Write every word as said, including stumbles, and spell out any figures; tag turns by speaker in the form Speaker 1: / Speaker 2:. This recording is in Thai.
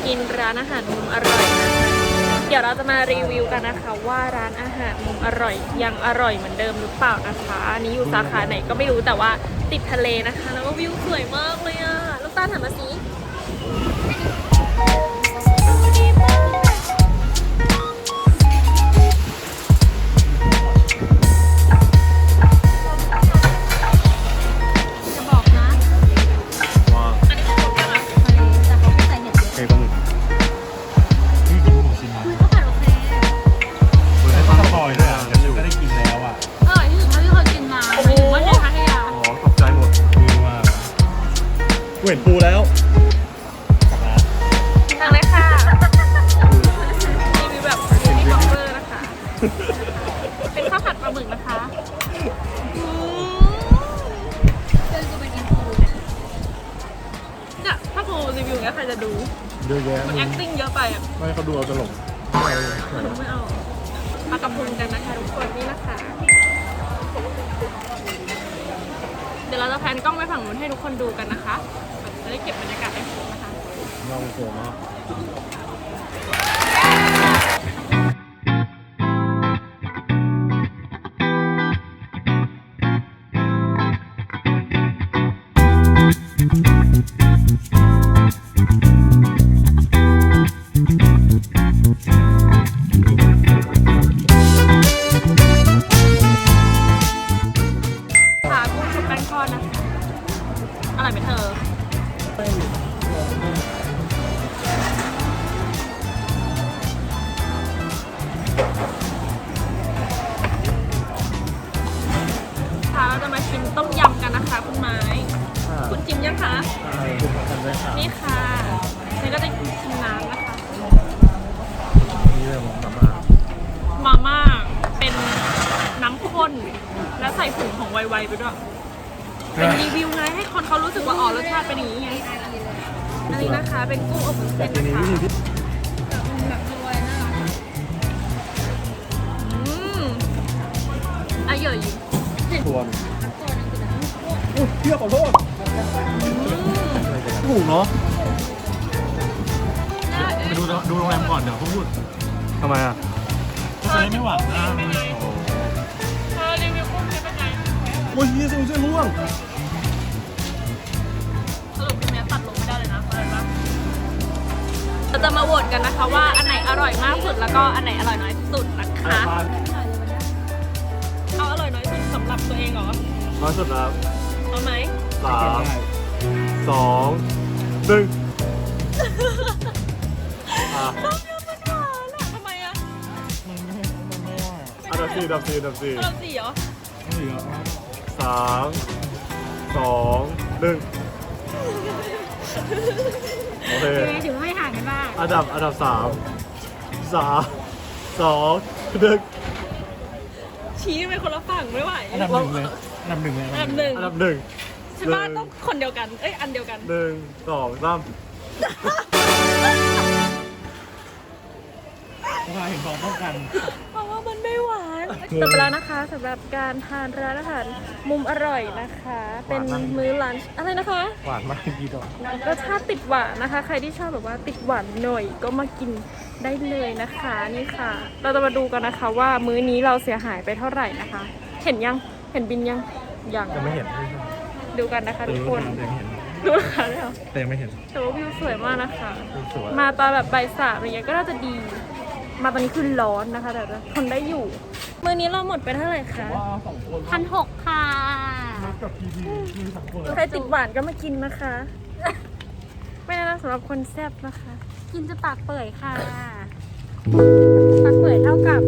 Speaker 1: กินร้านอาหารมุมอร่อยนะคะเดี๋ยวเราจะมารีวิวกันนะคะว่าร้านอาหารมุมอร่อยยังอร่อยเหมือนเดิมหรือเปล่านะคะอันนี้อยู่สาขาไหนก็ไม่รู้แต่ว่าติดทะเลนะคะแล้วก็วิวสวยมากเลยอะลูกตาลถามมาสิ
Speaker 2: เห็นปูแล้ว
Speaker 1: ทางเลยค่ะรีวิวแบบรีวิวบล็อกเกอร์นะคะ เป็นข้าวผัดปลาหมึกนะคะเดินกูไปกินปูเนี่ยถ้าปูรีวิวเงี้ยใครจะดู
Speaker 2: เยอะแยะ
Speaker 1: มัน acting เยอะไปอ่ะ
Speaker 2: ไม่เขาดูเอาตลก
Speaker 1: ไม่เอาปลากระพงกันนะคะทุกคนนี่นะคะเดี๋ยวเราจะแพนกล้องไปฝั่งนู้นให้ทุกคนดูกันนะคะจะได้เก็บบรรยากาศให้ครบนะคะ
Speaker 2: เราโผล่มาก
Speaker 1: ขากุ้งชุบแป้งทอดนะคะอร่อยไหมเธอค่ะเราจะมาชิมต้มยำกันนะคะคุณไม้คุณจิ้มยังคะนี่ค่ะนี่ก็จะชิมน้ำนะคะ
Speaker 2: นี่เลยมาม่า
Speaker 1: มาม่าเป็นน้ำข้นและใส่ผงของไวๆไปด้วยเป็นรีวิวไงให้คนเขารู้สึกว่าอ๋อรสชาติเป็นอย่างนี้ไงอันนี้นะคะเป็นกุ้งอบวุ้นเส้นนะคะแบบรวยน่ารักอืมอร่อย
Speaker 2: ส่วนอุ้ยเที่ยวขอโทษถูกเนาะไปดูดูโรงแรมก่อนเดี๋ยวเขาพูดทำไมอ่ะก็จะได้ไม่หวังนะ
Speaker 1: เธอรีวิวกุ้งเป็นไง
Speaker 2: โอ้ยยี่สิบเส้นร่วง
Speaker 1: สรุปพี่แม่ตัดลงไม่ได้เลยนะอะไรบ้างเราจะมาโหวตกันนะคะว่าอันไหนอร่อยมากสุดแล้วก็อันไหนอร่อยน้อยสุดนะคะเอาอร่อยน้อยสุดสำหรับตัวเองเหรอ
Speaker 2: น้อยสุดแล้ว
Speaker 1: เอาไหม
Speaker 2: สามสองหนึ่งอ่ะ
Speaker 1: ต้มยำมันหวานอะทำไมอะ
Speaker 2: มันไม่มันไม่ว่าอันดับสี่อันดับสี่อันดับสี่
Speaker 1: อันดับสี่เหรอ
Speaker 2: สี่เหรอสามสองหนึ่งโอเค
Speaker 1: ถือว่าไม่ห่างกันมาก
Speaker 2: อันดับอันดับสามสามสองหนึ่ง
Speaker 1: ชี้ไปคนละฝั่งไม่ไหว
Speaker 2: อันดับหนึ่งเลยอันดับหนึ่งเลย
Speaker 1: อันดับหนึ่ง
Speaker 2: อันดับหนึ่ง
Speaker 1: ใช่ป่ะต้องคนเดียวกันเอ้ยอันเดียวกัน
Speaker 2: หนึ่งสองสามเราเห็นของต้องกัน
Speaker 1: เพราะว่ามันไม่หวานจบไปแล้วนะคะสำหรับการทานร้านอาหารมุมอร่อยนะคะเป็นมื้อลันช์อะไรนะคะ
Speaker 2: หวานมากดีดอก
Speaker 1: รสชาติติดหวานนะคะใครที่ชอบแบบว่าติดหวานหน่อยก็มากินได้เลยนะคะนี่ค่ะเราจะมาดูกันนะคะว่ามื้อนี้เราเสียหายไปเท่าไหร่นะคะเห็นยังเห็นบินยังยัง
Speaker 2: ยังไม่เห็น
Speaker 1: ดูกันนะคะทุกคนดูค่ะเลยเหรอ
Speaker 2: แต่ยังไม่เห็น
Speaker 1: แต่ว่าวิวสวยมากนะคะมาตอนแบบบ่ายสามอะไรเงี้ยก็น่าจะดีมาตอนนี้คือร้อนนะคะแต่ทนได้อยู่มื้อนี้เราหมดไปเท่าไหร่คะพันหกค่ะใครติดหวานก็มากินนะคะไม่น่าสำหรับคนแซ่บนะคะกินจะปากเปื่อยค่ะปากเปื่อยเท่ากับ